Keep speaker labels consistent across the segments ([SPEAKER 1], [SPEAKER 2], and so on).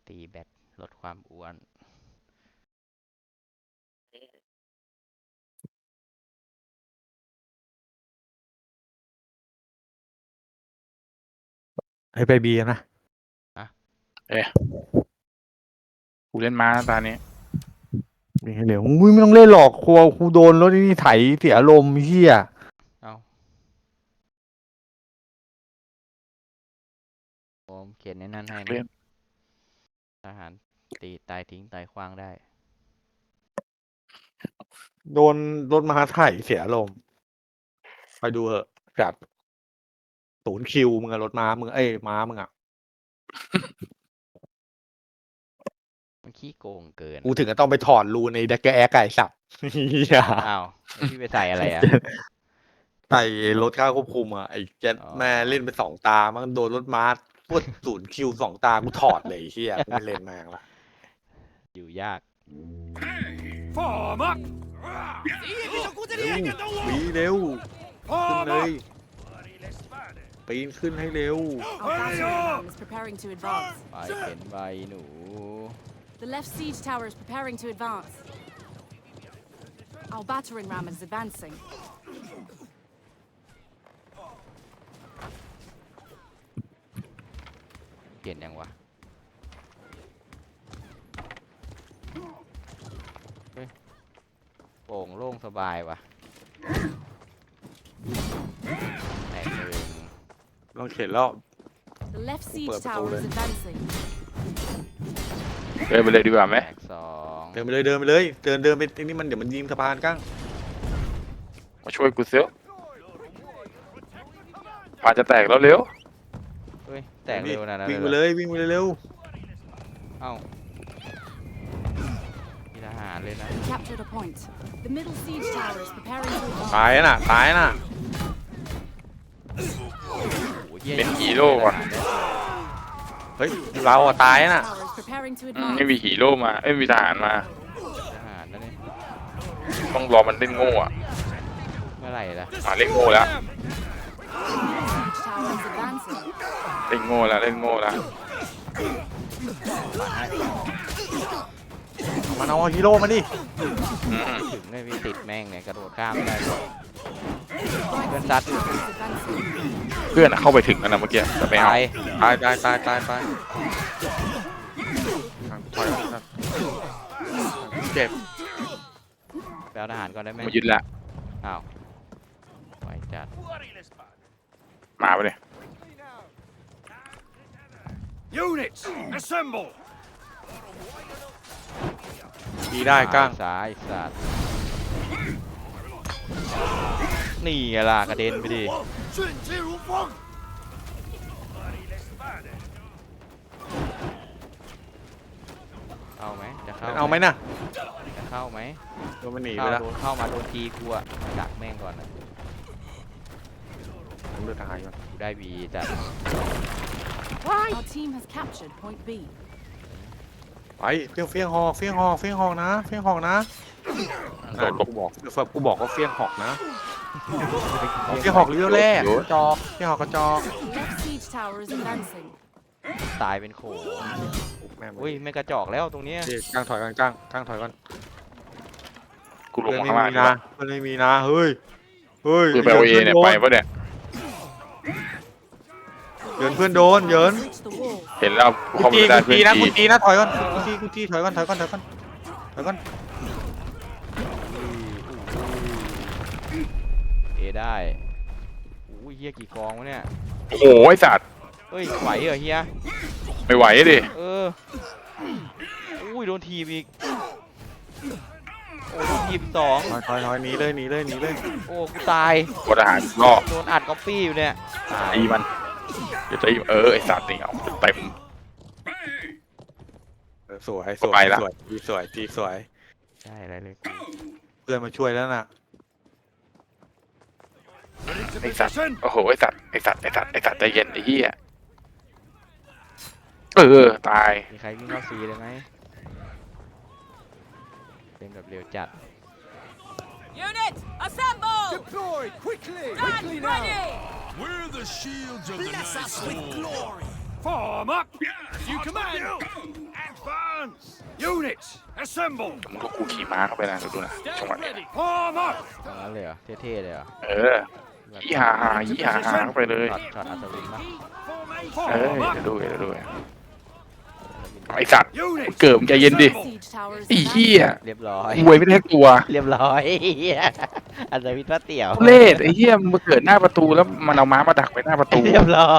[SPEAKER 1] ตีแบตลดความอ้วน
[SPEAKER 2] ให้ไปบีนะ
[SPEAKER 3] กูเล่นม้าตานี้
[SPEAKER 2] มีให้เหลวอุ้ยไม่ต้องเล่นหรอกครูโดนรถนี่ไถเสียอารมณ์เฮีย
[SPEAKER 1] เอาผมเขียนในนั้นให้นะทหารตีตายทิ้งตายขว้างได้
[SPEAKER 2] โดนรถมาไถเสียอารมณ์ไปดูเหอะจัด0 คิวมึงอะรถม้ามึงม้ามึงอะ
[SPEAKER 1] มันขี้โกงเกิน
[SPEAKER 2] กูถึงก็ต้องไปถอดรูในดักแอร์ไก่สับเฮีย
[SPEAKER 1] อ้าวแล้วพี่ไปใส่อะไรอ่ะ
[SPEAKER 2] ใส่รถข้าวควบคุมอะไอ้เจ็ด
[SPEAKER 1] อ๋อ
[SPEAKER 2] แม่เล่นไป2 ตามันโดนรถม้าพวด0 คิว2 ตากูถอดเลยเฮียกูไม่เล่นแม่งละ
[SPEAKER 1] อยู่ยาก
[SPEAKER 2] วีเร็วขึ้นเลยปีนขึ้นให้เร็ว
[SPEAKER 4] Our battering ram is preparing to advance.
[SPEAKER 1] ไปเป็นใบหนู
[SPEAKER 4] The left siege tower is preparing to advance. Our battering ram is advancing.
[SPEAKER 1] เปลี่ยนยังวะเฮ้ยโปร่งโล่งสบายวะแตกหนึ่ง
[SPEAKER 2] ลองเข็นแล้ว
[SPEAKER 4] The left siege
[SPEAKER 2] Ủa,
[SPEAKER 4] tower
[SPEAKER 2] đây.
[SPEAKER 4] is advancing.
[SPEAKER 3] เดินไปเลยดีกว่าไหม
[SPEAKER 1] แตกสอง
[SPEAKER 2] เดินไปเลยเดินไปเลยเดินไปนี่มันเดี๋ยวมันยิงสะพานกั้ง
[SPEAKER 3] มาช่วยกูเสียพาจะแตกแล้วเร็ว
[SPEAKER 1] เฮ้ยแตกเร็วนะนะ
[SPEAKER 2] วิ่งไปเลยวิ่งไปเลยเร็ว
[SPEAKER 1] เอ้ามีทหารเลยนะ
[SPEAKER 4] We captured a point. The middle siege tower is preparing to advance.
[SPEAKER 2] ตายน่ะตายน่ะ
[SPEAKER 1] โอ้โหหี้ย
[SPEAKER 3] เป็นฮีโร่ว่ะ
[SPEAKER 2] เฮ้ยเราอะตายน่ะ
[SPEAKER 4] Tower is preparing to
[SPEAKER 3] ไม่
[SPEAKER 4] advance.
[SPEAKER 3] มีฮีโร่มาไม่มีทหารมา
[SPEAKER 1] ทหารนะนี่
[SPEAKER 3] ต้องรอมันเล่นโง่อะ
[SPEAKER 1] เมื่อไหร่ล่ะ
[SPEAKER 3] เล่นโง่แล้ว
[SPEAKER 4] Siege tower is advancing.
[SPEAKER 3] เล่นโง่แล้วเล่นโง่แล้ว
[SPEAKER 2] มันเอาฮีโร่มาดิ
[SPEAKER 1] ถึงเลยมีติดแม่งเนี่ยกระโดดข้ามไม่ได้
[SPEAKER 4] Right
[SPEAKER 1] Bên
[SPEAKER 4] siege
[SPEAKER 1] sắt.
[SPEAKER 4] tower is advancing.
[SPEAKER 3] เพื่อนเข้าไปถึงแล้วนะเมื่อกี้แต่ไม่เอา
[SPEAKER 1] ตาย
[SPEAKER 2] ตายถอยเจ็บ
[SPEAKER 1] ไปเอาทหารก่อนได้ไหม
[SPEAKER 3] มายึดละ
[SPEAKER 1] อ้าวไหวจัด
[SPEAKER 3] มาไปเลย
[SPEAKER 5] Units, assemble!
[SPEAKER 2] ดีได้กั้ง
[SPEAKER 1] ซ้ายสัตว์นี่ไงล่ะกระเด็นไปดิ
[SPEAKER 5] 迅捷如风！
[SPEAKER 1] เข้าไหมจะเข้า
[SPEAKER 2] เอาไหมน่ะ
[SPEAKER 1] จะเข้าไหม
[SPEAKER 2] โดนมันหนีไป
[SPEAKER 1] เข้า
[SPEAKER 2] แล้ว
[SPEAKER 1] โดนเข้ามาโดนทีกูอะดักแม่งก่อนนะ
[SPEAKER 2] ผมเลือกทหารก่อน
[SPEAKER 1] กูได้บีจัด
[SPEAKER 4] Our team has captured point B.
[SPEAKER 2] ไปเฟี้ยงหอกนะเฟี้ยงหอกนะ
[SPEAKER 3] โดดหลบ
[SPEAKER 2] กูบอกว่าเฟี้ยงหอกนะเฟี้ยงหอกเลี้ยวแรกกระจอกเฟี้ยงหอกกระจอก
[SPEAKER 4] The left siege tower is advancing.
[SPEAKER 1] ตายเป็นโขง
[SPEAKER 2] แม่ง
[SPEAKER 1] อุ้ยไม่กระจอกแล้วตรงเนี้ย
[SPEAKER 2] กั้งถอยกันกั้งถอยกัน
[SPEAKER 3] กูลง
[SPEAKER 2] เพื่อน
[SPEAKER 3] มา
[SPEAKER 2] ไม่
[SPEAKER 3] ข้างล่าง
[SPEAKER 2] มีนะเพื่อนไม่มีนะเฮ้ยเฮ้ย
[SPEAKER 3] คือไปเอาเอเนี่ยไปปะเนี่ย
[SPEAKER 2] เหยินเพื่อนโดนเหยิน
[SPEAKER 4] Reach the wall.
[SPEAKER 3] เห็นแล้วกูเข้าไปไม่ได้เพื่อน
[SPEAKER 2] กู
[SPEAKER 3] ที
[SPEAKER 2] ตีนะถอยก่อนกูตีถอยก่อน
[SPEAKER 1] เอได้อุ้ยเฮียกี่กองวะเนี่ย
[SPEAKER 3] โอ้โหไอ้สัตว์
[SPEAKER 1] เฮ้ยไหวเหรอเฮีย
[SPEAKER 3] ไม่ไหวดิ
[SPEAKER 1] เอออุ้ยโดนทีบอีกโอ้โดนทีบสอง
[SPEAKER 2] ถอยหนีเลย
[SPEAKER 1] โอ้กูตาย
[SPEAKER 3] กดอาหารล่อ
[SPEAKER 1] โดนอัดก๊อปปี้อยู่เนี่ยตาย
[SPEAKER 3] ตีมันเดี๋ยวตีไอ้สัตว์นี่เอาเต็ม
[SPEAKER 2] สวย
[SPEAKER 3] ไปละ
[SPEAKER 2] ทีสวย
[SPEAKER 1] ใช่อะไรเลยกู
[SPEAKER 2] เพื่อนมาช่วยแล้วน่ะ
[SPEAKER 5] Get into
[SPEAKER 3] ไอ้สัตว์
[SPEAKER 5] position!
[SPEAKER 3] โอ้โหไอ้สัตว์ใจเย็นไอ้เหี้ยตาย
[SPEAKER 1] มีใครวิ่งเข้าซีเลยไหมเป็นแบบเร็วจัด
[SPEAKER 4] Unit, assemble!
[SPEAKER 5] Deploy quickly!
[SPEAKER 4] Stand ready!
[SPEAKER 5] We're the shields of the Night Lord. Form up. You command. Advance. Units, assemble.
[SPEAKER 3] มึงก็กูขี่ม้าเข้าไปนะดูนะจังหวะ
[SPEAKER 5] Stand
[SPEAKER 3] นี้
[SPEAKER 5] ready. Form up.
[SPEAKER 1] อย่างนั้นเลยเหรอเท่ๆเลยเหรอ
[SPEAKER 3] เออยี่หาเข้าไปเลย
[SPEAKER 1] ช็อตอัศวินปะ
[SPEAKER 3] เออ
[SPEAKER 5] Form
[SPEAKER 3] เดี๋ยว
[SPEAKER 5] up.
[SPEAKER 3] ดูไอสัตว์
[SPEAKER 5] Units,
[SPEAKER 3] เกิดมึงใจเย็นดิ
[SPEAKER 5] assemble.
[SPEAKER 4] Siege towers
[SPEAKER 3] ไอ้
[SPEAKER 4] advancing.
[SPEAKER 3] เหี้ย
[SPEAKER 1] เรียบร้อย
[SPEAKER 3] หวยไม่ได้ตัว
[SPEAKER 1] เรียบร้อยเหี้ยอัศวินพระเตี่ยว
[SPEAKER 3] ทุเรศไอ้เหี้ยมึงมาเกิดหน้าประตูแล้วมันเอาม้ามาดักไว้หน้าประตู
[SPEAKER 1] เรียบร้อย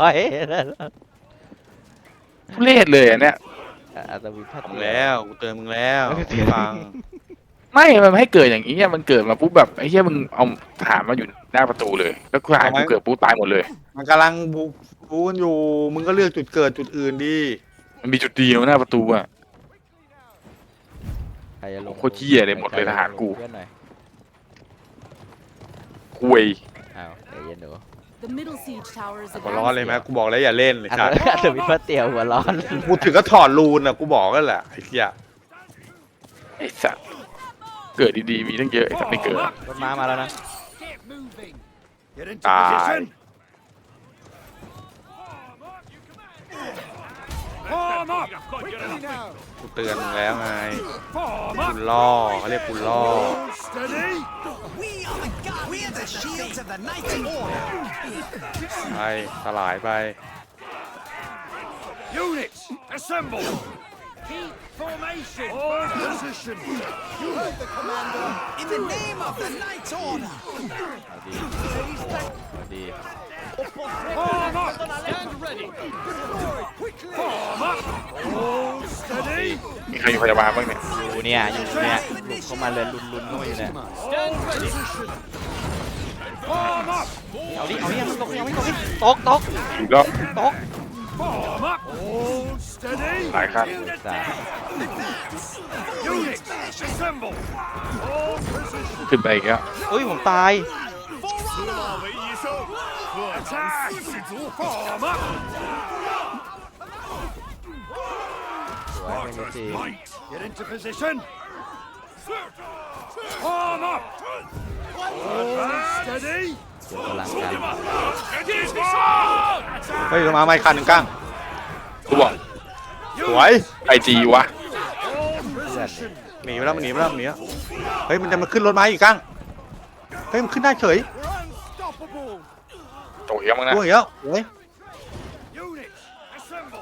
[SPEAKER 3] ทุเรศเลยอันเนี้ย
[SPEAKER 1] อัศวินพระ
[SPEAKER 2] มึง
[SPEAKER 1] เตี่ยว
[SPEAKER 2] แล้วกูเตือนมึงแล้วฟัง
[SPEAKER 3] ไม่มันไม่ให้เกิดอย่างนี้อะมันเกิดมาปุ๊บแบบไอ้เหี้ยมึงเอาทหารมาอยู่หน้าประตูเลย แล้วกูหายกูเกิดปุ๊บตายหมดเลย
[SPEAKER 2] มันกำลังบูกันอยู่มึงก็เลือกจุดเกิดจุดอื่นดี
[SPEAKER 3] มันมีจุดเดียวหน้าประตูอะ
[SPEAKER 1] ใครจะลง
[SPEAKER 3] โคตรเหี้ยเลยหมดเลยทหารกู
[SPEAKER 1] เพื่อนหน่อย
[SPEAKER 3] คุย
[SPEAKER 1] อ้าวใจเย็นดู
[SPEAKER 4] The middle siege tower is
[SPEAKER 2] หัวร้อนเลย
[SPEAKER 4] advancing.
[SPEAKER 2] ไหมกูบอกแล้วอย่าเล่นเลย
[SPEAKER 1] อัศ
[SPEAKER 2] จ้ะ
[SPEAKER 1] อัศวินพระเตี่ยวหัวร้อน
[SPEAKER 2] กูถึงก็ถอดรูนอ่ะกูบอกกันแหละไอ้เหี้ย
[SPEAKER 3] ไอ้สัตว์เกิดดีๆมีตั้งเยอะไอ้สัตว์ไม่เกิด
[SPEAKER 1] รถม้ามาแล้วนะ
[SPEAKER 5] Get moving. Get into
[SPEAKER 2] Die.
[SPEAKER 5] position. Form up. Quickly now.
[SPEAKER 2] กูเตือนมึงแล้วไง
[SPEAKER 5] Form
[SPEAKER 2] กู
[SPEAKER 5] up.
[SPEAKER 2] ล่อเขาเรียกกูล่อ
[SPEAKER 5] Hold steady.
[SPEAKER 6] We are the we are the shields of the Knights Order.
[SPEAKER 2] ไปสลายไป
[SPEAKER 5] Units, assemble. Keep formation. Hold position. You heard the commander.
[SPEAKER 6] In the name of the Knights Order.
[SPEAKER 1] เอาดีเอาดี
[SPEAKER 5] Form up. Stand ready. Form up. Hold steady.
[SPEAKER 3] มีใครอยู่พยาบาลบ้างเนี่ย
[SPEAKER 1] อยู่เนี่ยอยู่เนี่ยหลุดเข้ามาเลยลุนเข้ามาอยู่เนี่ย
[SPEAKER 5] Stand ready. Form up.
[SPEAKER 1] เอาดิเอาดิมันตกยังไม่ตกดิตก
[SPEAKER 3] อีกแล้ว
[SPEAKER 1] ตก
[SPEAKER 5] Form up. Hold steady.
[SPEAKER 3] หลายครับ
[SPEAKER 1] จ้า
[SPEAKER 5] Units, assemble. Hold position.
[SPEAKER 3] ขึ้นไปอีกแล้ว
[SPEAKER 1] เฮ้ยผมตาย
[SPEAKER 5] Attack. Form up.
[SPEAKER 1] สวยไม่รู้จริง
[SPEAKER 5] Get into position. Form up. Hold steady.
[SPEAKER 1] เดี๋ยวกำลังกัน
[SPEAKER 2] เฮ้ยมาไม่คันหนึ่งกั้ง
[SPEAKER 3] กูบอก
[SPEAKER 2] สวย
[SPEAKER 3] ไอจีวะ
[SPEAKER 5] Hold position.
[SPEAKER 2] หนีไปแล้วมันหนีไปแล้วมันหนีแล้วเฮ้ยมันจะมาขึ้นรถไม้อีกกั้งเฮ้ยมันขึ้นได้เฉย
[SPEAKER 5] We're unstoppable.
[SPEAKER 3] โตเหี้ยมั้งนะ
[SPEAKER 2] ด้วยแล้วเฮ้ย
[SPEAKER 5] Units, assemble.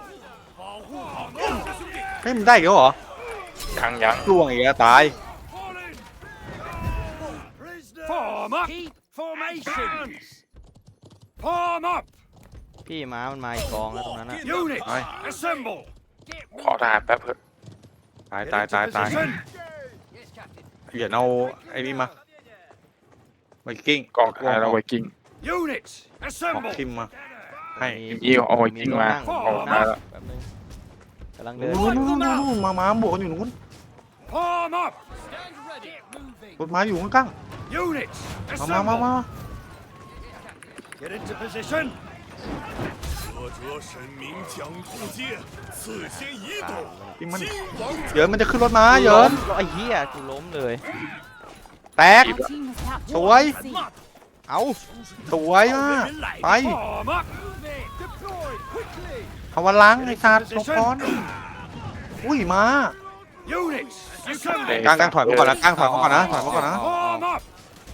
[SPEAKER 2] เฮ้ยมันได้อีกแล้วเหรอ
[SPEAKER 3] ยัง
[SPEAKER 2] ล่วงอีกแล้วตาย
[SPEAKER 5] Fall in. Prisoner. Form up. Keep formation. Form up.
[SPEAKER 1] พี่ม้ามันมาอีกกองแล้วตรงนั้นอะ
[SPEAKER 5] Units,
[SPEAKER 2] Aye.
[SPEAKER 5] assemble.
[SPEAKER 3] ขอทหารแป๊บเถอะ
[SPEAKER 2] ตาย
[SPEAKER 5] Get
[SPEAKER 2] ตาย
[SPEAKER 5] into
[SPEAKER 2] ตายตาย
[SPEAKER 5] position.
[SPEAKER 2] เหยียดเอาไอ้นี่มาไวกิ้ง
[SPEAKER 3] กองท้ายแล้วไวกิ้ง
[SPEAKER 5] Units,
[SPEAKER 2] ออก
[SPEAKER 5] assemble.
[SPEAKER 2] ทิมมาให้
[SPEAKER 3] อีเอาไวกิ้งมา
[SPEAKER 1] โด
[SPEAKER 3] เอา
[SPEAKER 1] น
[SPEAKER 3] มา
[SPEAKER 1] นั่ง
[SPEAKER 3] แล้ว
[SPEAKER 1] แป๊บนึงกำลังเดิน
[SPEAKER 2] นู่นมาบวกกันอยู่นู้น
[SPEAKER 5] Form up. Stand ready. Moving.
[SPEAKER 2] รถไม้อยู่ข้าง
[SPEAKER 5] Units,
[SPEAKER 2] ๆมา
[SPEAKER 5] assemble. Get into position.
[SPEAKER 7] 我者神明将渡界，此先已
[SPEAKER 1] ตาย
[SPEAKER 7] 懂。
[SPEAKER 2] ที่มัน
[SPEAKER 7] 金王
[SPEAKER 2] เหยินมันจะขึ้นรถม้าเหยิน
[SPEAKER 1] ไอ้เหี้ยกูล้มเลย
[SPEAKER 2] แตก
[SPEAKER 4] Our team has captured
[SPEAKER 2] Ôi.
[SPEAKER 4] the sea.
[SPEAKER 1] เอา
[SPEAKER 2] สวยมากไป
[SPEAKER 5] Form up. Deploy quickly.
[SPEAKER 2] ทวาลังไอ้สัตว์ลบก้อนอุ้ยมา
[SPEAKER 5] Units, assemble.
[SPEAKER 2] กลางถอยมาก่อนนะกลางถอยมาก่อนนะถอยมาก่อนนะ
[SPEAKER 5] Form up.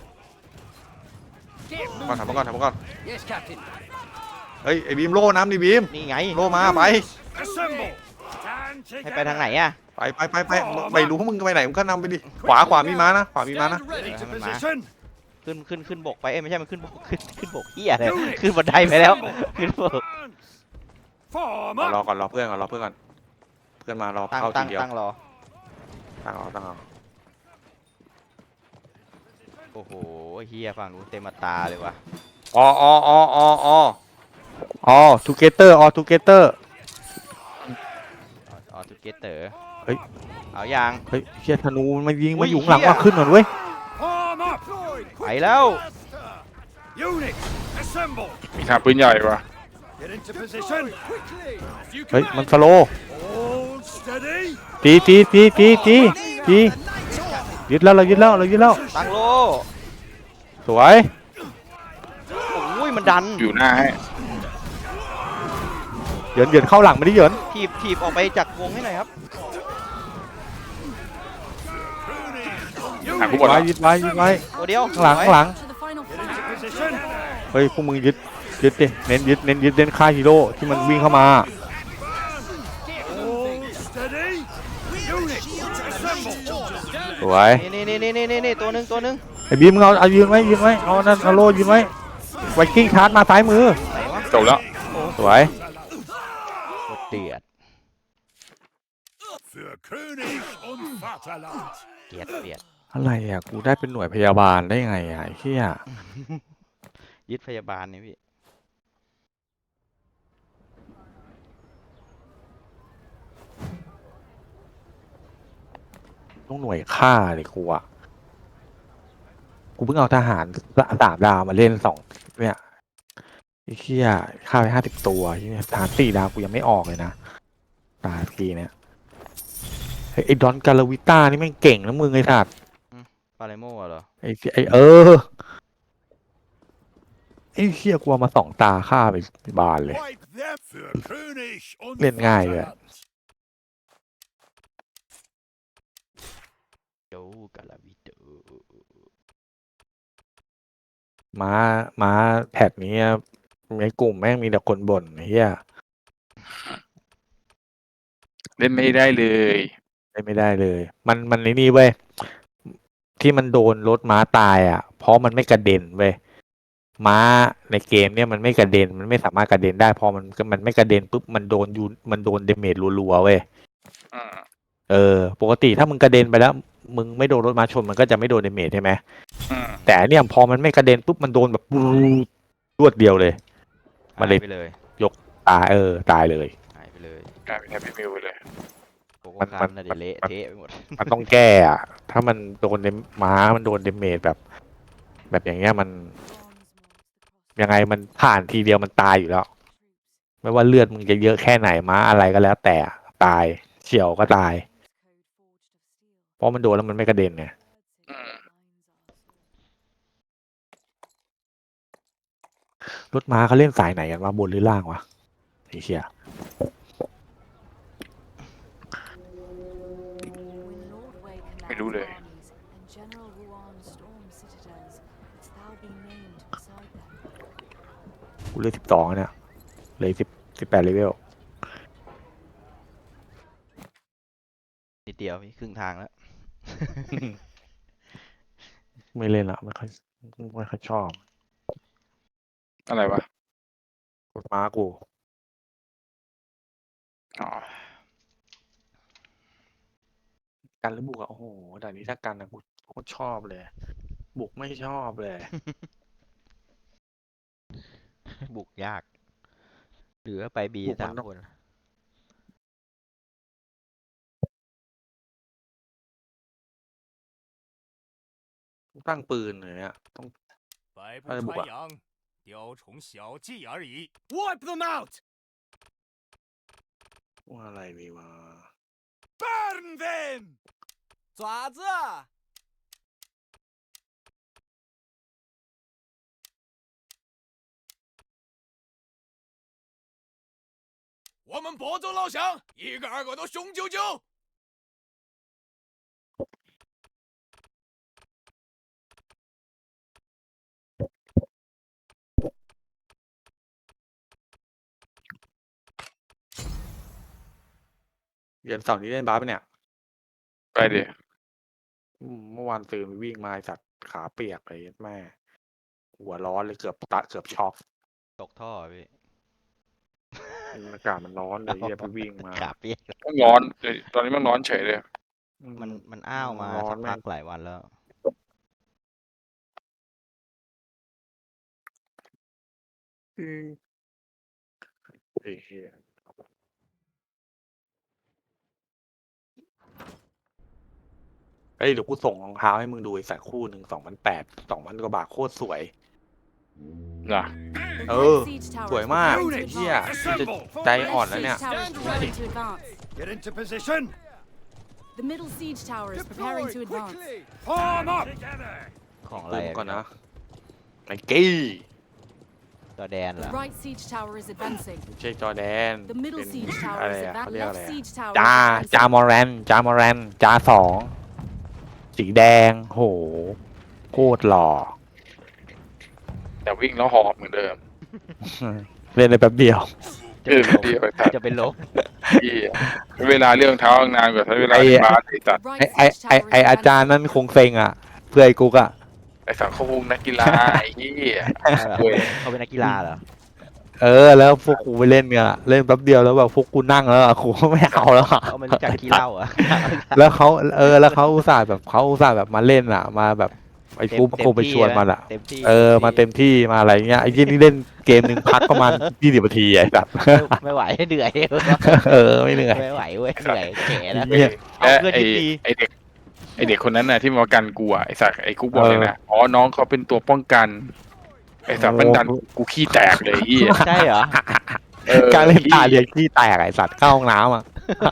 [SPEAKER 2] ก่อนถอยมาก่อนถอยมาก่อน
[SPEAKER 5] Yes, Captain.
[SPEAKER 2] เฮ้ยไอ้บีมโล่น้ำดิบีม
[SPEAKER 1] นี่ไง
[SPEAKER 2] โล่มาไป
[SPEAKER 5] Assemble. Stand
[SPEAKER 1] ให้ไปทางไหนอะ
[SPEAKER 2] ไปไม่รู้มึงจะไปไหนมึงก็นำไปดิขวามีม้านะขวามีม้านะ
[SPEAKER 5] Stand ready to
[SPEAKER 1] Stand
[SPEAKER 5] position.
[SPEAKER 1] ขึ้นบกไปเอ้ยไม่ใช่มันขึ้นบกขึ้นบกเหี้ยเลยขึ้นบันไดไปแล้วขึ้นบก
[SPEAKER 5] Form
[SPEAKER 2] รอ
[SPEAKER 5] up.
[SPEAKER 2] ก่อนรอเพื่อนก่อนรอเพื่อนก่อนเพื่อนมารอ
[SPEAKER 1] ตั้ง
[SPEAKER 2] เข้าที
[SPEAKER 1] ตั้ง
[SPEAKER 2] เดียว
[SPEAKER 1] ตั้งรอ
[SPEAKER 2] ตั้งเอา
[SPEAKER 1] โอ้โหเหี้ยฝั่งนู้นเต็มตาเลยว่ะ
[SPEAKER 2] อ๋อทูเกเตอร์ทูเกเตอร์
[SPEAKER 1] ออทูเกเตอร์
[SPEAKER 2] เฮ้ย
[SPEAKER 1] เอายาง
[SPEAKER 2] เฮ้ยเชียธนูมันมายิง
[SPEAKER 1] อุ้
[SPEAKER 2] มาย อยู่ข้างหลัง
[SPEAKER 1] เหี้ย
[SPEAKER 2] ว่าขึ้นก่อนเว้ย
[SPEAKER 5] Form up.
[SPEAKER 1] ไปแล้ว
[SPEAKER 5] Units, assemble.
[SPEAKER 3] มีทางปืนใหญ่ปะ
[SPEAKER 5] Get into position. Quickly.
[SPEAKER 2] เฮ้ยมันสโล
[SPEAKER 5] Hold steady.
[SPEAKER 2] ตี ยึดแล้วเรายึดแล้ว
[SPEAKER 1] ตั้งโล
[SPEAKER 2] สวย
[SPEAKER 1] โอ้ยมันดัน
[SPEAKER 3] อยู่หน้าให้
[SPEAKER 2] เหยินเหยินเข้าหลังไม่ได้เหยิน
[SPEAKER 1] ถีบออกไปจากวงให้หน่อยครับ
[SPEAKER 3] หากูหมด
[SPEAKER 2] ไว้
[SPEAKER 3] แล้ว
[SPEAKER 2] ยึดไว้ยึดไว้
[SPEAKER 1] ตัวเดียว
[SPEAKER 2] ข้างหลังข้างหลัง
[SPEAKER 4] To the final
[SPEAKER 5] Get into
[SPEAKER 4] fight.
[SPEAKER 5] position.
[SPEAKER 2] เฮ้ยพวกมึงยึดดิเน้นยึดเน้นฆ่าฮีโร่ที่มันวิ่งเข้ามา
[SPEAKER 5] Hold steady. Unit, assemble.
[SPEAKER 2] สวย
[SPEAKER 1] นี่ตัวหนึ่ง
[SPEAKER 2] ไอ้บีมมึงเอายืนไว้เอานั่นเอาโล่ยืนไว้ไวกิ้งชาร์จมาซ้ายมือ
[SPEAKER 3] จบแล้ว
[SPEAKER 2] สวย
[SPEAKER 1] เดือด
[SPEAKER 7] Für König und Vaterland.
[SPEAKER 1] เดือด
[SPEAKER 2] อะไรอ่ะกูได้เป็นหน่วยพยาบาลได้ไงอ่ะไอ้เหี้ย
[SPEAKER 1] ยึดพยาบาลนี่พี่
[SPEAKER 2] ต้องหน่วยฆ่าเลยกูอ่ะกูเพิ่งเอาทหาร3 ดาวมาเล่นเนี่ยไอ้เหี้ยฆ่าไป50 ตัวทหาร4 ดาวกูยังไม่ออกเลยนะตาทีเนี่ยเฮ้ยไอ้ดอนกาลาวิต้านี่แม่งเก่งนะมึงไอ้สัตว์
[SPEAKER 1] ปาเลโม่เหรอ
[SPEAKER 2] ไอ้ไอ้เหี้ยกลัวมา2 ตาฆ่าไปบานเลย
[SPEAKER 7] Wipe them für König und
[SPEAKER 2] Lên ngài rồi ạ.
[SPEAKER 7] Vaterland.
[SPEAKER 1] โจ้กาลาวิโต
[SPEAKER 2] ม้าแพทนี้ในกลุ่มแม่งมีแต่คนบ่นไอ้เหี้ย
[SPEAKER 3] เล่นไม่ได้เลย
[SPEAKER 2] ไม่ได้เลย มันนี่เว้ยที่มันโดนรถม้าตายอ่ะ เพราะมันไม่กระเด็นเว้ยม้าในเกมเนี่ยมันไม่กระเด็นมันไม่สามารถกระเด็นได้พอมันไม่กระเด็นปุ๊บมันโดนเดเมจรัวๆเว้ย
[SPEAKER 3] อืม
[SPEAKER 2] ปกติถ้ามึงกระเด็นไปแล้ว มึงไม่โดนรถม้าชนมันก็จะไม่โดนเดเมจใช่ไหม
[SPEAKER 3] อืม
[SPEAKER 2] แต่อันเนี่ยพอมันไม่กระเด็นปุ๊บมันโดนแบบรวดเดียวเลย มันเลย
[SPEAKER 1] หายไปเลย
[SPEAKER 2] ตายตายเลย
[SPEAKER 1] หายไปเลย
[SPEAKER 3] กลายเป็นแฮปปี้มิวไปเลย
[SPEAKER 1] โกโก้
[SPEAKER 2] มัน
[SPEAKER 1] คันน่ะเดี๋ยวเละเทะไปหมด
[SPEAKER 2] มันต้องแก้อะถ้ามันโดนม้ามันโดนเดเมจแบบอย่างเงี้ยมันยังไงมันผ่านทีเดียวมันตายอยู่แล้ว ไม่ว่าเลือดมึงจะเยอะแค่ไหนม้าอะไรก็แล้ว แต่ตายเฉี่ยวก็ตาย เพราะมันโดนแล้วมันไม่กระเด็นไง
[SPEAKER 3] อืม
[SPEAKER 2] รถม้าเขาเล่นสายไหนกันวะบนหรือล่างวะไอ้เชี่ย
[SPEAKER 3] ไม่รู้เลย
[SPEAKER 2] กูเล่น12เนี่ยเลย18เลเวล
[SPEAKER 1] นิดเดียวพี่ครึ่งทางแล้ว
[SPEAKER 2] ไม่เล่นละไม่ค่อยชอบ
[SPEAKER 3] อะไรวะ
[SPEAKER 2] รถม้ากู
[SPEAKER 3] อ๋อ
[SPEAKER 2] กันหรือบุกอะโอ้โหด่านนี้ถ้ากันนะกูโคตรชอบเลย บุกไม่ชอบเลย
[SPEAKER 1] บุกยากเหลือไปบี
[SPEAKER 2] บุกมัน
[SPEAKER 1] 3
[SPEAKER 2] ต้อง
[SPEAKER 1] คน
[SPEAKER 2] ตั้งปืนเลยเนี่ยต้อง
[SPEAKER 7] 百步
[SPEAKER 2] 哎不管
[SPEAKER 7] 穿杨，雕虫小技而已。
[SPEAKER 5] Wipe them out.
[SPEAKER 2] ว่าอะไรดีวะ
[SPEAKER 7] Burn them.
[SPEAKER 6] 爪子，
[SPEAKER 7] 我们伯州老乡，一个二个都雄赳赳。
[SPEAKER 2] เดือนเสาร์นี้เล่นบาสปะเนี่ย
[SPEAKER 3] ไปดิ
[SPEAKER 2] เมื่อวานตื่นไปวิ่งมาไอ้สัตว์ขาเปียกเลยแม่ หัวร้อนเลยเกือบช็อก
[SPEAKER 1] ตกท่อพี่
[SPEAKER 2] อากาศมันร้อนเลยเหี้ยไปวิ่งมา
[SPEAKER 1] ขาเปียก
[SPEAKER 3] มันร้อนเดี๋ยวตอนนี้มันร้อนเฉยเลย
[SPEAKER 1] มันอ้าวมา
[SPEAKER 2] ร้อ
[SPEAKER 1] สั
[SPEAKER 2] น
[SPEAKER 1] ก
[SPEAKER 2] แม่
[SPEAKER 1] พั
[SPEAKER 2] ง
[SPEAKER 1] กหลายวันแล้ว
[SPEAKER 2] ไอ้เหี้ยเอ้ยเดี๋ยวกูส่งรองเท้าให้มึงดูไอ้สัตว์คู่หนึ่ง2,800 2,000 กว่าบาทโคตรสวย
[SPEAKER 3] นะ
[SPEAKER 4] The
[SPEAKER 2] Ừ,
[SPEAKER 4] red siege tower
[SPEAKER 2] สวย
[SPEAKER 4] is
[SPEAKER 2] มาก
[SPEAKER 4] preparing to
[SPEAKER 2] เหี้ย
[SPEAKER 4] advance.
[SPEAKER 2] จะใจอ่อนแล้วเนี่ย
[SPEAKER 4] Red siege tower is preparing to advance.
[SPEAKER 5] Get into position.
[SPEAKER 4] The middle siege tower is preparing to advance.
[SPEAKER 5] Form up. Together.
[SPEAKER 1] ของอะไร
[SPEAKER 2] ปืน
[SPEAKER 1] อะ
[SPEAKER 2] ก่อน
[SPEAKER 1] พี่
[SPEAKER 2] นะไอ้กี้
[SPEAKER 1] เจอแดนเหร
[SPEAKER 4] The
[SPEAKER 1] อ
[SPEAKER 4] right siege tower is advancing.
[SPEAKER 2] ไม่ใช่จอร์แดน
[SPEAKER 4] The middle
[SPEAKER 2] เป็น
[SPEAKER 4] siege
[SPEAKER 2] อะ
[SPEAKER 4] tower
[SPEAKER 2] ไร
[SPEAKER 4] is
[SPEAKER 2] อะเขา
[SPEAKER 4] advancing.
[SPEAKER 2] เรียกอะไร
[SPEAKER 4] Left
[SPEAKER 2] อะ
[SPEAKER 4] siege tower
[SPEAKER 2] จา
[SPEAKER 4] is
[SPEAKER 2] จา
[SPEAKER 4] advancing.
[SPEAKER 2] มอแรนจามอแรนจาสองสีแดงโหโคตรหล่อ
[SPEAKER 3] แต่วิ่งแล้วหอบเหมือนเดิม
[SPEAKER 2] เล่นได้แป๊บเดียว
[SPEAKER 3] เออเดียวไอ้สัตว์
[SPEAKER 1] จะเป็นลม
[SPEAKER 3] ที่เวลาเรื่องเท้านานกว่าใช้เวลา
[SPEAKER 2] ไอ้
[SPEAKER 3] ในบ้านไอ้สัตว์
[SPEAKER 4] The
[SPEAKER 2] ไอ
[SPEAKER 4] right
[SPEAKER 2] ไอ
[SPEAKER 4] siege
[SPEAKER 2] ไอ
[SPEAKER 4] tower
[SPEAKER 2] ไอ
[SPEAKER 4] is
[SPEAKER 2] อาจารย์
[SPEAKER 4] advancing.
[SPEAKER 2] นั่นคงเซ็งอ่ะเพื่อไอ้กุ๊กอ่ะ
[SPEAKER 3] ไอ้สัตว์เขาวงนักกีฬาไอ้เหี้ย
[SPEAKER 1] เขาเป็นนักกีฬาเหรอ
[SPEAKER 2] แล้วพวกกูไปเล่นเนี่ยเล่นแป๊บเดียวแล้วแบบพวกกูนั่งแล้วอะกูไม่เอาแล้วอะ
[SPEAKER 1] เขาไม่รู้จักขี้เหล้าเหรอ
[SPEAKER 2] แล้วเขาแล้วเขาอุตส่าห์แบบมาเล่นอ่ะมาแบบไอ้กูคงไปชวนมันอ่ะ
[SPEAKER 1] เต็มที่
[SPEAKER 2] มาเต็มที่มาอะไรเงี้ยไอ้ยี่นี่เล่นเกมหนึ่งพักประมาณ20 นาทีไอ้สัตว์
[SPEAKER 1] ไม่ไหวเหนื่อย
[SPEAKER 2] ไม่เหนื่อย
[SPEAKER 1] ไม่ไหวเว้ยเหนื่อยแก่แล้ว
[SPEAKER 2] เนี่ย
[SPEAKER 1] เอา
[SPEAKER 3] และ
[SPEAKER 1] เพื่อน
[SPEAKER 3] ไอ้
[SPEAKER 1] ที่ดี
[SPEAKER 3] ไอ้เด็กไอ้เด็กคนนั้นน่ะที่มากันกูอ่ะไอ้สัตว์ไอ้กุ๊กบอกเลยนะอ๋อน้องเขาเป็นตัวป้องกันไอ้สัตว์มันดันกูขี้แตกเลยไอ้เหี้ย
[SPEAKER 1] ใช่เหรอ
[SPEAKER 2] การเล่นตาเรียกขี้แตกไอ้สัตว์เข้าห้องน้ำอ่ะ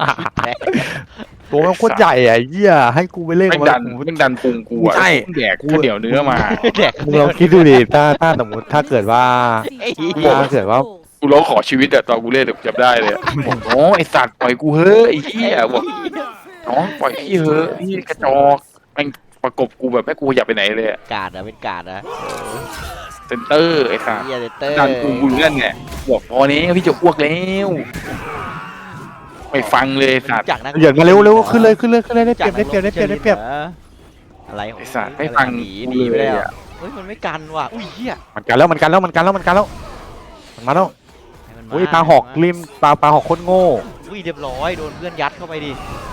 [SPEAKER 2] ตัวมันโคตรใหญ่อะไอ้เหี้ยให้กูไปเล่น
[SPEAKER 3] แม่งดันแม่งดันพุงกูอ่ะ
[SPEAKER 2] ใช่
[SPEAKER 3] แดกข้าวเหนียวเนื้อมา
[SPEAKER 1] แดก
[SPEAKER 2] มึงลองคิดดูดิถ้าสมมติถ้าเกิดว่า
[SPEAKER 4] Siege
[SPEAKER 2] Yeah,
[SPEAKER 4] tower
[SPEAKER 2] I said, well-
[SPEAKER 4] falls.
[SPEAKER 3] กูร้องขอชีวิตอะตอนกูเล่นจำได้เลยบอกน้องไอ้สัตว์ปล่อยกูเฮ้ยไอ้เหี้ยบอกน้องปล่อยพี่เฮ้ยพี่กระจอกแม่งประกบกูแบบแม่กูอยากไปไหนเลยอะ
[SPEAKER 1] กาดนะเป็นกาดนะ
[SPEAKER 3] เซนเตอร์ไอ้สัตว์
[SPEAKER 1] เฮียเตอร์
[SPEAKER 3] ดันกูอยู่นั่นเนี่ยบอกพอนี้พี่จะอ้วกแล้วไม่ฟังเลยไอ้สัตว์
[SPEAKER 1] จากนัก
[SPEAKER 2] เหยียดมาเร็วขึ้นเลยได้เปรียบได้เปรียบได้เปรียบได้เปรียบ
[SPEAKER 1] อะไรของ
[SPEAKER 3] ไอ้สัตว์ไม่ฟัง
[SPEAKER 1] หนี
[SPEAKER 3] กู
[SPEAKER 1] หนีไป
[SPEAKER 3] เล
[SPEAKER 1] แล้
[SPEAKER 3] ยว อะ
[SPEAKER 1] เฮ้ยมันไม่กันว่ะอุ้ยเฮีย
[SPEAKER 2] มันกันแล้วมันมาแล้ว
[SPEAKER 1] ให้มันม
[SPEAKER 2] อุ้ยปลาหอกริมปลาหอกโคตรโง่
[SPEAKER 1] อุ้ยเรียบร้อยโดนเพื่อนยัดเข้าไปดิ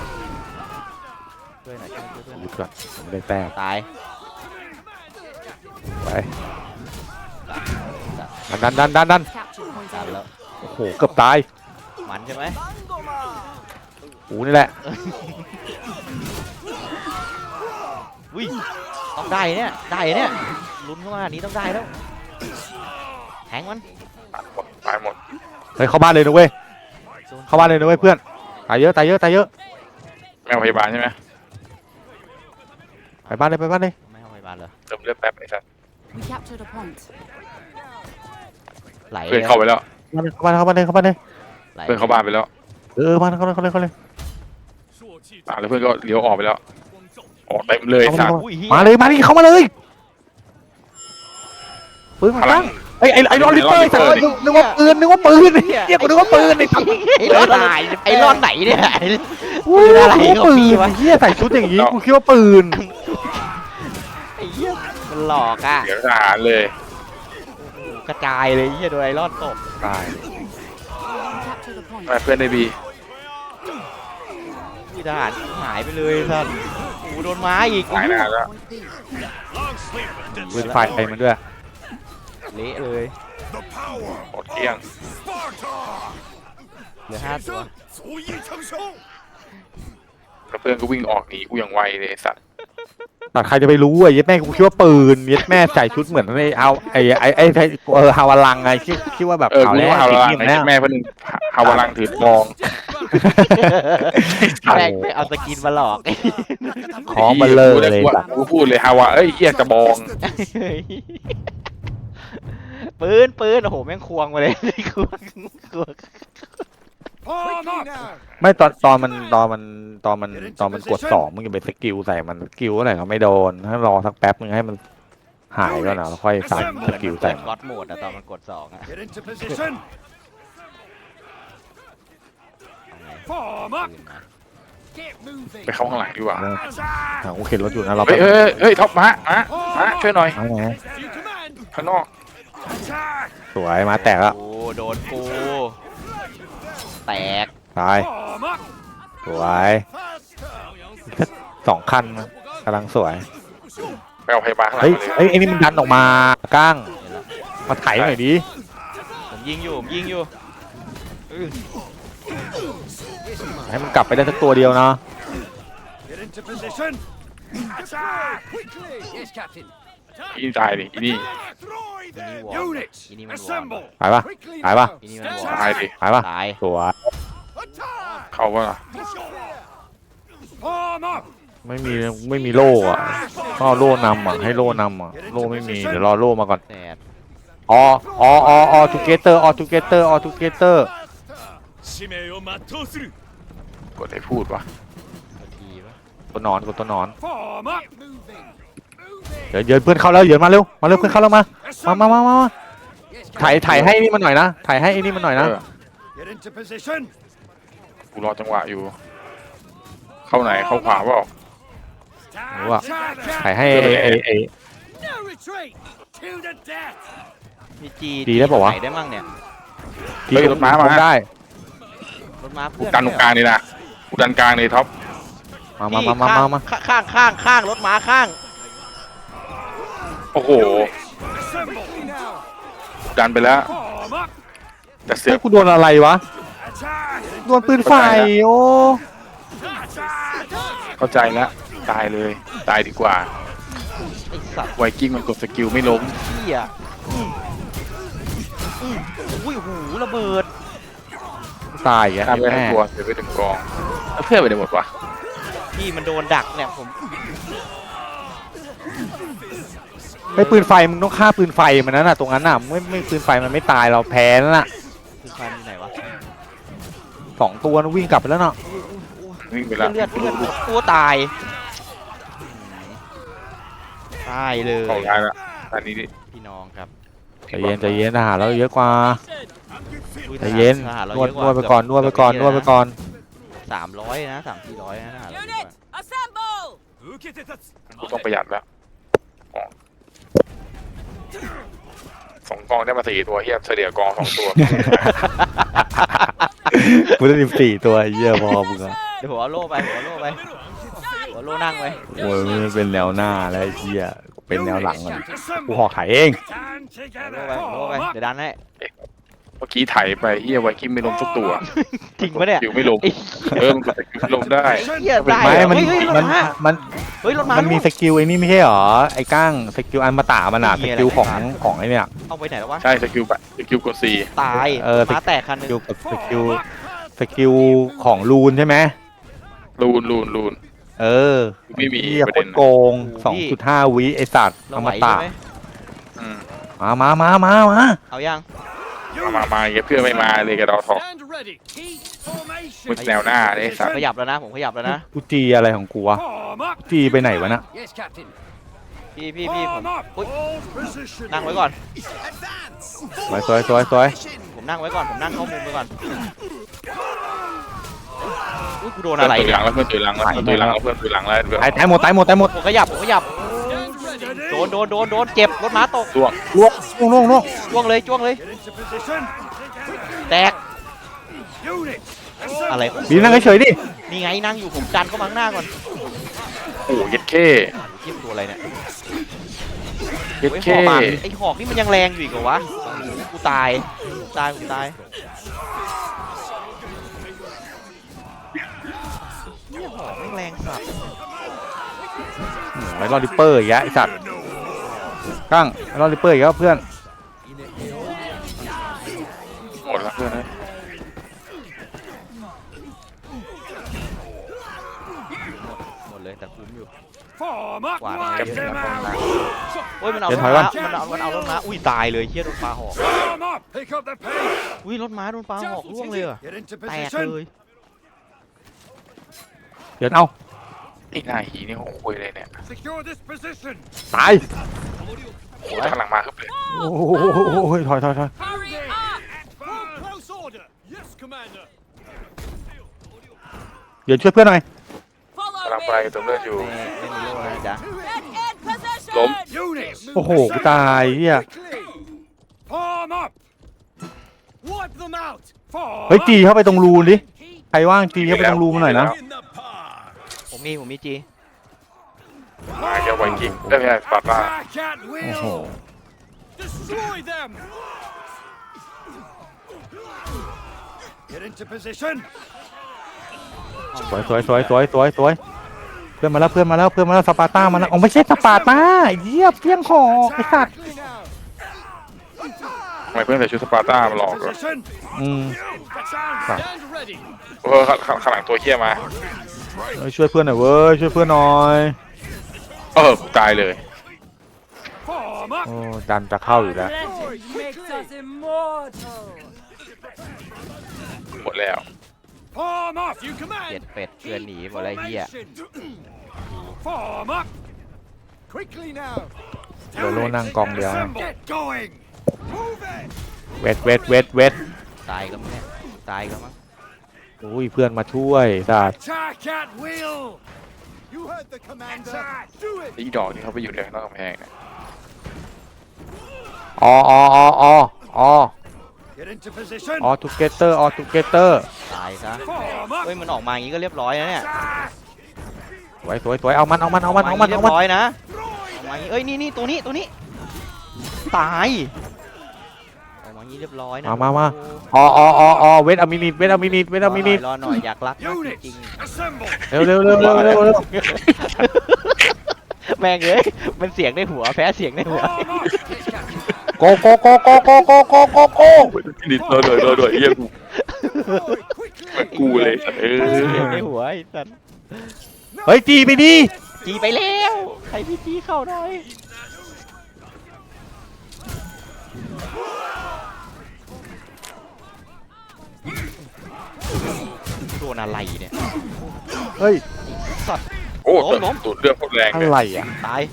[SPEAKER 1] ช่วยหน่อยช่วย
[SPEAKER 2] หยุดก่อนผมไม่ได้แต้ม
[SPEAKER 1] ตาย
[SPEAKER 2] ไปดัน
[SPEAKER 4] Capture point
[SPEAKER 1] ตาย
[SPEAKER 4] A.
[SPEAKER 1] แล้ว
[SPEAKER 2] โอ้โหเกือบตาย
[SPEAKER 1] มันใช่ไหม
[SPEAKER 2] กูนี่แหละ
[SPEAKER 1] อุ้ยต้องได้เนี่ยลุ้นเข้ามาอันนี้ต้องได้แล้วแทงมัน
[SPEAKER 3] ตายหมด
[SPEAKER 2] เฮ้ยเข้าบ้านเลยนะเว้ยเข้าบ้านเลยนะเว้ยเพื่อนตายเยอะ
[SPEAKER 3] แม่พยาบาลใช่ไหม
[SPEAKER 2] ไปบ้านเลย
[SPEAKER 1] ไม่เอาไปบ้านเลย
[SPEAKER 3] เติมเลือดแป๊บไอ้สัตว์
[SPEAKER 4] We captured a point.
[SPEAKER 1] ไหล
[SPEAKER 3] เพื่อนเข้าไปแล้ว
[SPEAKER 2] เข้าบ้านเลย
[SPEAKER 1] ไหล
[SPEAKER 3] เพื่อนเข้าบ้านไปแล้ว
[SPEAKER 2] บ้านเข้าเลย
[SPEAKER 3] แล้วเพื่อนก็เลี้ยวออกไปแล้วออกเต็มเลยไอ้สัตว์
[SPEAKER 1] อุ้ยเฮีย
[SPEAKER 2] มาเลยเข้ามาเลยปืนมา
[SPEAKER 3] พลั
[SPEAKER 2] ตั้
[SPEAKER 3] ง
[SPEAKER 2] งไอ้รอลิเตอร์สัตว์นึกว่าปืนเฮียกูนึกว่าปืนไอ้สัตว์
[SPEAKER 1] ไอ้รอดไอ้รอดไหนเนี่ย
[SPEAKER 2] อุ้ย
[SPEAKER 1] อะไร
[SPEAKER 2] กู
[SPEAKER 1] ของ
[SPEAKER 2] ปื
[SPEAKER 1] พี่
[SPEAKER 2] น
[SPEAKER 1] วะ
[SPEAKER 2] เฮียใส่ชุดอย่างงี้กูคิดว่าปืน
[SPEAKER 1] ไอ้เหี้ยมันหลอกอ่ะ
[SPEAKER 3] เดี๋ยวทหารเลย
[SPEAKER 1] กระจายเลยเหี้ยโดนไอรอนตบ
[SPEAKER 2] ตาย
[SPEAKER 4] We captured a point.
[SPEAKER 3] มาเพื่อนในบี
[SPEAKER 1] พี่ทหารหายไปเลยท่านโอ้โหโดนม้าอีก
[SPEAKER 3] หายนานแล้ว
[SPEAKER 4] Point B.
[SPEAKER 5] Long sleep and
[SPEAKER 2] ปืนไฟไปมันด้วย
[SPEAKER 1] เละเลย
[SPEAKER 5] the power
[SPEAKER 3] หมดเกลี้ยง
[SPEAKER 5] Sparta.
[SPEAKER 1] เหลือ5 ตัว
[SPEAKER 5] 足以承受。
[SPEAKER 3] แล้วเพื่อนก็วิ่งออกหนีกูอย่างไวเลยไอ้สัตว์
[SPEAKER 2] แต่ใครจะไปรู้อ่ะเย็ดแม่กูคิดว่าปืนเย็ดแม่ใส่ชุดเหมือนไอ้ฮาวาลังไงคิดว่าแบบ
[SPEAKER 3] กู
[SPEAKER 2] ข่าว
[SPEAKER 3] รู้
[SPEAKER 2] แรก
[SPEAKER 3] ว่าฮาวาลัง
[SPEAKER 2] จริง
[SPEAKER 3] ไอ้
[SPEAKER 2] ๆแล้ว
[SPEAKER 3] แม่เพื่อนฮาวาลังถือทอง
[SPEAKER 1] แม่งไปเอาสกินมาหลอก
[SPEAKER 2] ของมันเลย
[SPEAKER 3] กูพูดเลยฮาวาเอ้ยเหี้ยกระบอง
[SPEAKER 1] ปืนโอ้โหแม่งควงมาเลยควง
[SPEAKER 5] Arm up.
[SPEAKER 2] ไม่ตอนมันกด2มึงจะไปสกิลใส่มันสกิลอะไรก็ไม่โดนให้รอสักแป๊บนึงให้มันหายก่อนนะแล้วค่อยใส่สกิลใส่
[SPEAKER 1] ก๊อตโหมดอะตอนมันกด2อะ
[SPEAKER 5] Get into position.
[SPEAKER 1] เอาไง
[SPEAKER 5] Form up.
[SPEAKER 1] ปืนมา
[SPEAKER 5] Get moving.
[SPEAKER 3] ไปเข้าข้างหลังดีกว่า
[SPEAKER 5] Attack.
[SPEAKER 2] กูเข็นรถอยู่นะเรา
[SPEAKER 3] เฮ้ยท็อปมาช่วยหน่อย
[SPEAKER 2] เอาไง
[SPEAKER 5] You command.
[SPEAKER 3] ข้างนอก
[SPEAKER 5] Attack.
[SPEAKER 2] สวยมาแตกแล้ว
[SPEAKER 1] โอ้โดนกูแตก
[SPEAKER 2] ตาย
[SPEAKER 5] Form up.
[SPEAKER 2] สวย
[SPEAKER 5] Faster.
[SPEAKER 2] 2 คันกำลังสวย
[SPEAKER 3] ไปเอาพยาบาลข้างหลั
[SPEAKER 2] เฮ้
[SPEAKER 3] ง
[SPEAKER 2] ย
[SPEAKER 3] มาเลย
[SPEAKER 2] ไอ้นี่มันดันออกมาก้างมาไถหน่อยดิ
[SPEAKER 1] ผมยิงอยู่อื้อ
[SPEAKER 2] ให้มันกลับไปได้สักตัวเดียวนะ
[SPEAKER 5] Get into position. Attack. Quickly. Yes, Captain.
[SPEAKER 3] อีนี่ตายดิอีนี่
[SPEAKER 5] Destroy
[SPEAKER 1] อีนี่
[SPEAKER 5] them.
[SPEAKER 1] วอร์ม
[SPEAKER 5] Units.
[SPEAKER 1] อีนี่มันวอร์ม
[SPEAKER 5] Assemble.
[SPEAKER 2] หายปะ
[SPEAKER 5] Quickly
[SPEAKER 2] หายปะ
[SPEAKER 5] now.
[SPEAKER 1] อีนี่มันวอร์ม
[SPEAKER 3] ตายดิ
[SPEAKER 2] หายปะ
[SPEAKER 1] ตาย
[SPEAKER 2] สวย
[SPEAKER 5] Attack.
[SPEAKER 3] เขาว่า
[SPEAKER 5] Form up.
[SPEAKER 2] ไม่มีโล่อะก็โล่นำอ่ะให้โล่นำอ่ะโล่ไม่มีเดี๋ยวรอโล่มาก่อน
[SPEAKER 1] แตก
[SPEAKER 2] ออทูเกเตอร์ออทูเกเตอร์ออทูเกเตอร์
[SPEAKER 7] 使命を全うする
[SPEAKER 3] กดให้พูดวะ
[SPEAKER 1] ทีวะ
[SPEAKER 2] ตัวนอนกดตัวนอน
[SPEAKER 5] Form up.
[SPEAKER 2] เดี๋ยวเยินเพื่อนเข้าแล้วเยินมาเร็วเพื่อนเข้าแล้วมาถ่ายให้นี่มันหน่อยนะถ่ายให้ไอ้นี่มันหน่อยนะ
[SPEAKER 5] Get into position.
[SPEAKER 3] กูรอจังหวะอยู่ เข้าไหนเข้าขวาเปล่า
[SPEAKER 2] รู้ว่า
[SPEAKER 5] Attack.
[SPEAKER 2] ถ่ายให้ไอ้
[SPEAKER 5] No retreat. To the death.
[SPEAKER 1] มีจี
[SPEAKER 2] ดีได้ปะวะ
[SPEAKER 1] ไหนได้มั่งเนี่ย
[SPEAKER 3] เฮ้ยรถม้ามา
[SPEAKER 2] ได้
[SPEAKER 1] รถม้า
[SPEAKER 3] กู
[SPEAKER 1] เพื่อน
[SPEAKER 3] ดันตรงกลางเลยนะกูดันกลางเลยท็อป
[SPEAKER 2] มา
[SPEAKER 1] ข้างรถม้าข้าง
[SPEAKER 3] โอ้โห
[SPEAKER 5] Assemble.
[SPEAKER 3] ดันไปแล้ว
[SPEAKER 5] Form up.
[SPEAKER 3] แต่เสื
[SPEAKER 2] เฮ้
[SPEAKER 3] อย ก
[SPEAKER 2] กูโดนอะไรวะ
[SPEAKER 5] Attack.
[SPEAKER 2] โดนปืนไฟโอ้
[SPEAKER 5] Attack.
[SPEAKER 3] เข้าใจแล้วตายเลยตายดีกว่า
[SPEAKER 1] ไอ้สัตว์
[SPEAKER 3] ไวกิ้งมันกดสกิลไม่ล้ม
[SPEAKER 1] เหี้ยอุ้ยหูระเบิด
[SPEAKER 2] ตายอ่ะ
[SPEAKER 3] ข้ามไปทั้งตัวเสียไปถึงกองแล้วเพื่อนไปไหนหมดวะ
[SPEAKER 1] พี่มันโดนดักเนี่ยผม
[SPEAKER 2] ไอ้ปืนไฟมึงต้องฆ่าปืนไฟมันนั่นน่ะตรงนั้นน่ะไม่ปืนไฟมันไม่ตายเราแพ้แล้วน่ะ
[SPEAKER 1] คือคันอยู่ไหนวะ
[SPEAKER 2] 2 ตัวนะวิ่งกลับไปแล้วเนาะ
[SPEAKER 3] วิ่งไปแล้ว
[SPEAKER 1] เลือดตัวตายตายเลย
[SPEAKER 3] ของท้ายแล้วอันนี้ดิ
[SPEAKER 1] พี่น้องครับ
[SPEAKER 2] ใจเย็นทหารเราเยอะกว่า
[SPEAKER 1] อุ้ย
[SPEAKER 2] ใจเย็น
[SPEAKER 1] ทหารเรา
[SPEAKER 2] นวด
[SPEAKER 1] เยอะ
[SPEAKER 2] ไปก่อนนวดไปก่อน
[SPEAKER 1] 300นะ300-400นะทหารเราเยอะกว่า
[SPEAKER 4] Unit, assemble!
[SPEAKER 7] 受けて立つ
[SPEAKER 3] กูต้องประหยัดแล้วของ2 กองได้มา4 ตัวเฮียเฉลี่ยกอง2 ตัว
[SPEAKER 2] กูได้14 ตัวเยี่ยพอมึงอะ
[SPEAKER 1] เดี๋ยวผมเอาโล่ไปผมเอาโล่นั่งไว้
[SPEAKER 2] โอ้ยมันเป็นแนวหน้าแล้วไอ้เหี้ยเป็นแนวหลังมันกู
[SPEAKER 5] Assemble.
[SPEAKER 2] หอกถ่ายเอง
[SPEAKER 5] Stand
[SPEAKER 1] เอาโล่
[SPEAKER 5] together.
[SPEAKER 1] ไป
[SPEAKER 5] Form
[SPEAKER 1] เดี๋ย
[SPEAKER 5] up.
[SPEAKER 1] วดันให้
[SPEAKER 3] เมื่อกี้ไถไปเฮียไวกิ้งไม่ล้มทุกตัว
[SPEAKER 1] จริงปะเนี่ย
[SPEAKER 3] สกิลไม่ล้ม
[SPEAKER 1] ไอ้
[SPEAKER 3] มันกดสกิลไม่ล้มได้
[SPEAKER 1] เหี้ยได้
[SPEAKER 2] ไม่
[SPEAKER 1] เหรอ
[SPEAKER 2] มัน
[SPEAKER 1] เฮ้ยรถ
[SPEAKER 2] มัน
[SPEAKER 1] ม้า
[SPEAKER 2] มัน
[SPEAKER 1] เฮ้ยรถม้า
[SPEAKER 2] มันมีสกิลไอ้นี่ไม่ใช่หรอไอ้ก้างสกิลอันมาตามันอะ
[SPEAKER 1] มี
[SPEAKER 2] ส
[SPEAKER 1] อะไร
[SPEAKER 2] กิลของไอ้เนี่ย
[SPEAKER 1] เอาไปไหนแล้ววะ
[SPEAKER 3] ใช่สกิลกด
[SPEAKER 1] ตาย
[SPEAKER 2] เออ
[SPEAKER 1] ม้าแตกคันหนึง
[SPEAKER 2] สกิลของรูนใช่ไหม
[SPEAKER 3] 4ลูน
[SPEAKER 2] เออ
[SPEAKER 3] ไม่มี
[SPEAKER 2] เหี้ย
[SPEAKER 3] ประ
[SPEAKER 2] โค
[SPEAKER 3] เด็
[SPEAKER 2] ต
[SPEAKER 3] น
[SPEAKER 2] รโกง 2.5 วิไอสัตว์
[SPEAKER 1] เรา
[SPEAKER 2] อ
[SPEAKER 1] ไหว
[SPEAKER 2] ม
[SPEAKER 1] ใช่
[SPEAKER 2] ตะ
[SPEAKER 1] ไหม
[SPEAKER 3] อืม
[SPEAKER 2] มา
[SPEAKER 1] เอายัง
[SPEAKER 3] มาเงี้ยเพื่อนไม่มาเลยกับเราทอก
[SPEAKER 5] Stand ready. Keep formation.
[SPEAKER 3] มึงแนวหน้าเลยสัตว์
[SPEAKER 1] ขยับแล้วนะผมขยับแล้วนะ
[SPEAKER 2] กูจีอะไรของกูวะ
[SPEAKER 5] Form up.
[SPEAKER 2] จีไปไหนวะน่ะ
[SPEAKER 5] Yes, Captain.
[SPEAKER 1] พี่ผม
[SPEAKER 5] Form up.
[SPEAKER 1] อุ๊ย
[SPEAKER 5] Hold position.
[SPEAKER 1] นั่งไว้ก่อน
[SPEAKER 6] Advance.
[SPEAKER 2] สวย
[SPEAKER 1] ผมนั่งไว้ก่อนผมนั่งเข้ามุมไปก่อนอุ้ยกูโดนอะไร
[SPEAKER 3] เพื่อน
[SPEAKER 1] เนี่ย
[SPEAKER 3] เพื่อนตุยหลังแล้วเพื่อนตุยหลังแล้วเพื่อนตุยหลังแล้วเพื่อน
[SPEAKER 2] ตายหมด
[SPEAKER 1] ผมขยับ
[SPEAKER 5] Stand ready.
[SPEAKER 1] โดนเจ็บรถม้าตก
[SPEAKER 3] ล่วง
[SPEAKER 2] ล่วง
[SPEAKER 1] จ้วงเลย
[SPEAKER 5] Get into position.
[SPEAKER 1] แตก
[SPEAKER 5] Unit.
[SPEAKER 1] อะไร
[SPEAKER 5] Assemble.
[SPEAKER 2] บีนั่งเฉยๆดิ
[SPEAKER 1] นี่ไงนั่งอยู่ผมดันเข้ามาข้างหน้าก่อน
[SPEAKER 3] โอ้ยเย็ดเข้
[SPEAKER 1] เทียบตัวอะไรเนี่ย
[SPEAKER 3] เย็ด
[SPEAKER 1] ไอ้ห
[SPEAKER 3] เข้
[SPEAKER 1] อกไอ้หอกนี่มันยังแรงอยู่อีกเหรอวะกูตายหอกไม่งแรงสัตว์
[SPEAKER 2] ไอ้รอดริปเปอร์อีกแล้วไอสัตว์ก้างไอ้รอดริปเปอร์อีกแล้วเพื่อน
[SPEAKER 3] หมดแล้วเพื่อนนะ
[SPEAKER 1] หมดเลยแต่คุ้มอยู่
[SPEAKER 5] Form up.
[SPEAKER 1] Wow.
[SPEAKER 5] Wipe them out.
[SPEAKER 1] โอ้ยมันเอา
[SPEAKER 2] เดี๋
[SPEAKER 1] ร
[SPEAKER 2] ยว
[SPEAKER 1] ถ
[SPEAKER 2] ถอย
[SPEAKER 1] ม้า
[SPEAKER 2] ก่อน
[SPEAKER 1] มันเอารถม้าอุ้ยตายเลยเฮียโดนปลาหอก
[SPEAKER 5] Form up. Pick up the pace.
[SPEAKER 1] อุ้ยรถม้าโดนปลาหอกร่วงเลยเหรอ
[SPEAKER 5] Get into
[SPEAKER 1] แตก
[SPEAKER 5] position.
[SPEAKER 1] เลย
[SPEAKER 2] เดี๋ยวเอา
[SPEAKER 3] ไอ้หน้าหีนี่เขาคุยเลยเนี่ย
[SPEAKER 5] Secure this position.
[SPEAKER 2] ตาย
[SPEAKER 3] โอ้ยข้างหลังมาครับเลย
[SPEAKER 2] โอ้โหถอย
[SPEAKER 4] Hurry up!
[SPEAKER 5] Full close order. Yes, Commander.
[SPEAKER 2] เดี๋ยวช่วยเพื่อนหน่อย
[SPEAKER 4] Follow
[SPEAKER 3] กำลังไป
[SPEAKER 4] me!
[SPEAKER 3] เติมเลือดอยู่
[SPEAKER 1] ไม่มีโล่นะจ๊ะ
[SPEAKER 4] Get in position!
[SPEAKER 3] ล้ม
[SPEAKER 5] Units.
[SPEAKER 2] โอ้โหกูตายเฮีย
[SPEAKER 5] Form up. Wipe them out. Form
[SPEAKER 2] เฮ้ย
[SPEAKER 5] up.
[SPEAKER 2] จีเข้าไปตรงรูนดิใครว่างจีเข้าไปตรงรูมาหน่อยนะ
[SPEAKER 1] ผมมีจี
[SPEAKER 3] มาแกไวกิ้งได้ไหมสปาร์ตา
[SPEAKER 5] Attack at
[SPEAKER 2] โอ้โห
[SPEAKER 5] will. Destroy them. Get into position.
[SPEAKER 2] สวยเพื่อนมาแล้วสปาร์ต้ามาแล้วอ๋อไม่ใช่สปาร์ต้าเยี่ยเพี้ยงหอกไอสัตว์
[SPEAKER 3] ทำไมเพื่อนใส่ชุดสปาร์ต้ามาหลอกเหรอ
[SPEAKER 5] Position.
[SPEAKER 2] อืม
[SPEAKER 5] Stand ready.
[SPEAKER 3] ข้างหลังตัวเฮี้ยมา
[SPEAKER 2] ช่วยเพื่อนหน่อยเว้ยช่วยเพื่อนหน่อย
[SPEAKER 3] กูตายเลย
[SPEAKER 5] Form Form up.
[SPEAKER 2] โอ้ดันจะเข้าอยู่แล้ว
[SPEAKER 4] Legend makes us immortal.
[SPEAKER 3] หมดแล้ว
[SPEAKER 5] Form up. You
[SPEAKER 1] เจ็ด
[SPEAKER 5] command.
[SPEAKER 1] เป็ดเพื่อนหนีหมดเลยไอ้เฮีย
[SPEAKER 5] Form up. Quickly now.
[SPEAKER 2] โลโลนั่งกองเดียวนะ
[SPEAKER 5] Get going. Move it.
[SPEAKER 2] เวท
[SPEAKER 1] ตายก็มั้งเนี่ยตายก็มั้ง
[SPEAKER 2] อุ้ยเพื่อนมาช่วยสัตว์
[SPEAKER 5] Attack at will.
[SPEAKER 6] You heard the commander.
[SPEAKER 5] Attack. Do it.
[SPEAKER 3] ไอ้ดอกนี่เขาไปอยู่ในข้างนอกกำแพงนะ
[SPEAKER 2] อ๋อ
[SPEAKER 5] Get into position.
[SPEAKER 2] ทูเกเตอร์ทูเกเตอร์
[SPEAKER 1] ตายซะ
[SPEAKER 5] Form up.
[SPEAKER 1] เฮ้ยมันออกมาอย่างงี้ก็เรียบร้อยนะเนี่ย
[SPEAKER 5] Attack.
[SPEAKER 2] สวยเอามัน
[SPEAKER 1] เรียบร้อยนะออกมาอย่างงี้เอ้ยนี่ตัวนี้ตายออกมาอย่างงี้เรียบร้อยนะ
[SPEAKER 2] มา เวทอมินิต
[SPEAKER 1] รอหน่อยอยากรักมากจริง
[SPEAKER 5] Units. Assemble.
[SPEAKER 2] เร็ว
[SPEAKER 1] ๆแม่งเอ้ยมันเสียงในหัวแพ้เสียงในหัว
[SPEAKER 5] Form up.
[SPEAKER 2] โก
[SPEAKER 3] นิดโดยเยี่ยกู
[SPEAKER 5] Forward. Quickly.
[SPEAKER 3] เหมือนกูเลยสัตว์
[SPEAKER 1] เสียงในหัวไอ้สัน
[SPEAKER 2] เฮ้ยจีไปดิ
[SPEAKER 1] จีไปแล้วใครพี่จีเข้าหน่อยโดนอะไรเนี่ย
[SPEAKER 2] เฮ้ย
[SPEAKER 1] สัตว์
[SPEAKER 3] โอ้
[SPEAKER 1] ล้ม
[SPEAKER 3] ตูดเลือดโคตรแรง
[SPEAKER 2] อะ
[SPEAKER 3] เลย
[SPEAKER 2] ไรอ่ะ
[SPEAKER 1] ตาย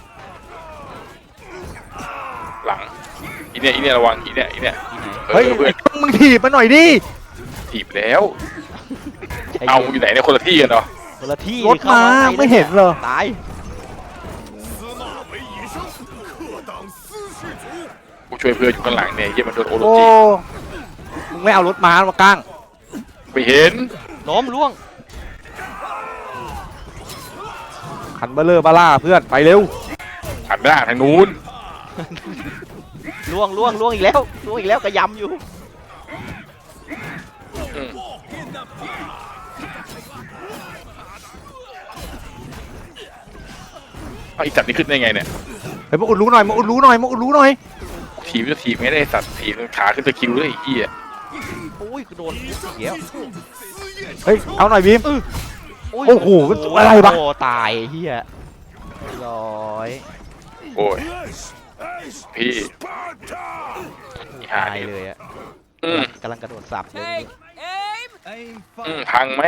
[SPEAKER 3] หลังอีเนี่ยระวังอีเนี่ย
[SPEAKER 1] ที่ไหน
[SPEAKER 2] เฮ้ย
[SPEAKER 3] เพื่อน
[SPEAKER 2] มึงถีบมาหน่อยดิ
[SPEAKER 3] ถีบแล้ว
[SPEAKER 1] ใจ
[SPEAKER 3] เอา
[SPEAKER 1] ย็น
[SPEAKER 3] อยู่ไหนเนี่ยคนละที่กันเนาะ
[SPEAKER 1] คนละที่
[SPEAKER 2] รถมาไม่เห็นเหรอ
[SPEAKER 1] ตาย
[SPEAKER 7] 司马为野生，克党私事主。
[SPEAKER 3] กูช่วยเพื่อนอยู่ข้างหลังเนี่ยเยี่ยมันโดนโอโร
[SPEAKER 2] โอ้
[SPEAKER 3] จิ
[SPEAKER 2] มึงไม่เอารถม้ามากาง
[SPEAKER 3] ไม่เห็น
[SPEAKER 1] ล้มล่วง
[SPEAKER 2] ขันเบลเลอร์บาร่าเพื่อนไปเร็ว
[SPEAKER 3] หันหน้าทางนู้น
[SPEAKER 1] ล่วงอีกแล้วกระยำอยู่
[SPEAKER 3] เอาไอ้สัตว์นี่ขึ้นได้ไงเนี่ย
[SPEAKER 2] เฮ้ยมาอุดรู้หน่อย
[SPEAKER 3] ถีบจะถีบไม่ได้สัตว์ถีบขาขึ้นตะคริวเลยไอ้เหี้ย
[SPEAKER 1] โอ้ยกูโดนอีกแล้ว
[SPEAKER 2] เฮ้ยเอาหน่อยบีม
[SPEAKER 1] ย
[SPEAKER 2] โอ้โหมันอะไรวะ
[SPEAKER 1] โอ้ตายเฮียร้อย
[SPEAKER 3] โอ้ย
[SPEAKER 5] Yes. As
[SPEAKER 3] พี่
[SPEAKER 5] Sparta.
[SPEAKER 3] อีห่า
[SPEAKER 1] ตาย
[SPEAKER 3] นี่
[SPEAKER 1] เลยอะ
[SPEAKER 3] อืม
[SPEAKER 1] กำลังกระโดดสับเลย
[SPEAKER 6] Aim
[SPEAKER 3] พังไหม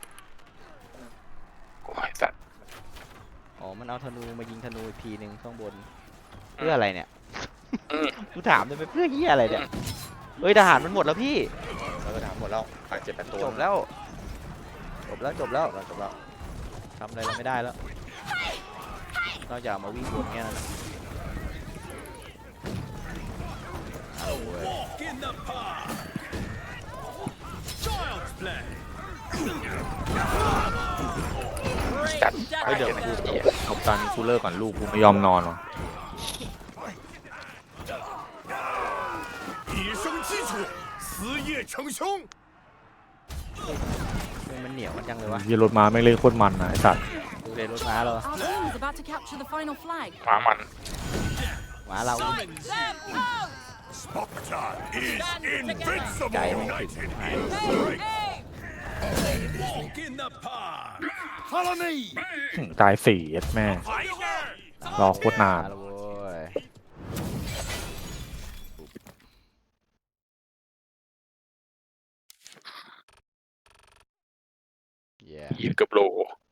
[SPEAKER 3] โอ้ยสัตว์
[SPEAKER 1] อ๋อมันเอาธนูมายิงธนูอีกทีหนึ่งข้างบนเพื่ออะไรเนี่ย
[SPEAKER 3] อืม
[SPEAKER 1] กูถามเลยเพื่อเฮียอะไรเนี่ยเฮ้ยทหารมันหมดแล้วพี่
[SPEAKER 2] ทหารหมดแล้วขาด7-8ตัว
[SPEAKER 1] จบแล้วทำอะไรเราไม่ได้แล้วนอกจากมาวิ่งวนแค่นั้นนะ
[SPEAKER 7] Walk in the park. Child's play.
[SPEAKER 3] จัด
[SPEAKER 2] เฮ้ยเดี๋ยวกูเอาตอนนี้กูเลิกก่อนลูกกูไม่ยอมนอนว่ะ
[SPEAKER 7] 以生基础，死业成凶。
[SPEAKER 1] มันเหนียวมันจังเลยวะ
[SPEAKER 2] ยี่รถม้าไม่งเล่นโคตรมันนะไอ้สัตว์
[SPEAKER 1] ดูเดรถม้าเรา
[SPEAKER 4] Our team is about to capture the final flag.
[SPEAKER 3] หมามัน
[SPEAKER 1] ม้าเรา
[SPEAKER 7] Sparta is invincible.
[SPEAKER 1] ใจมันถึง
[SPEAKER 7] Walk in the park.
[SPEAKER 5] Follow me.
[SPEAKER 2] ตาย4เอ็ดแม่
[SPEAKER 7] Fire.
[SPEAKER 2] รอโคตรนาน
[SPEAKER 1] มาแล้วเว้ย
[SPEAKER 3] ยีนกับโล